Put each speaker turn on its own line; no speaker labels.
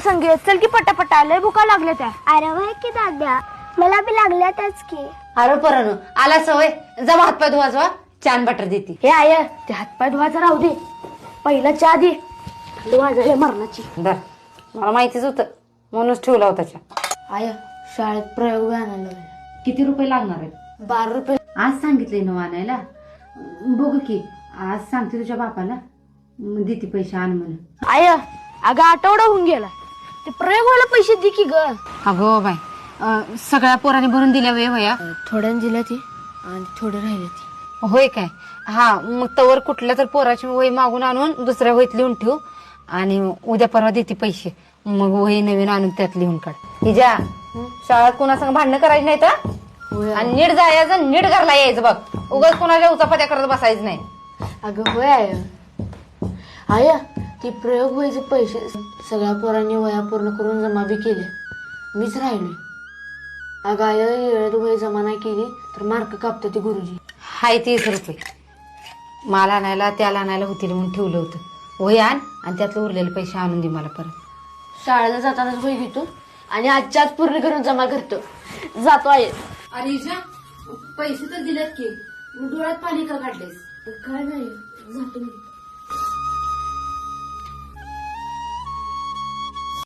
संगे चल की पटापटा लय भुका लागल्या त्या.
अरे वय की दाद्या मला बी लागल्यातच की.
अरे पोरांनो आला सवय जमा हातपाय धुवाजवा छान बटर देते.
हे आय ते हातपाय धुवायचा राहू दे पहिला चहा दे वाजले मरणाची.
बर मला माहितीच होतं म्हणूनच ठेवला होता चहा.
आय शाळेत प्रयोग आणायला
किती रुपये लागणार आहेत?
12 रुपये.
आज सांगितलंय ना आणायला. बघ की आज सांगते तुझ्या बापाला देते पैसे आण म्हणून.
आय अगं आठवडा होऊन गेला ते प्रयोग व्हायला पैसे दे की ग.
अगो बाय सगळ्या पोरांनी भरून दिल्या वे वया.
थोड्याने दिल्या ती आणि थोडे राहिले ती.
होय काय? हा मग तवर कुठल्या तर पोराची वही मागून आणून दुसऱ्या वहीत लिहून ठेवू आणि उद्या परवा देते पैसे. मग वही नवीन आणून त्यात लिहून काढ. हिजा शाळेत कोणासंग भांडणं करायची नाही तर आणि नीट जायचं नीट घरला यायचं बघ. उगाच कोणाच्या उचापत्या करत बसायचं नाही.
अगं होय आय ती प्रयोग व्हायचे पैसे सगळ्या पोरांनी वया पूर्ण करून जमा बी केले मीच राहिलोय. अगं आय येळेत वही जमा नाही केली तर मार्क कापते ते गुरुजी.
हाय 30 रुपये मला आणायला त्याला आणायला होतील म्हणून ठेवलं होतं. वही आण आणि त्यातले उरलेले पैसे आणून दे मला परत.
शाळेला जातानाच वही घेतो आणि आजच्या आज पूर्ण करून जमा करतो. जातो आहे.
अरे पैसे तर दिलेत की डोळ्यात पाणी का काढलेस?
काय नाही जातो मी.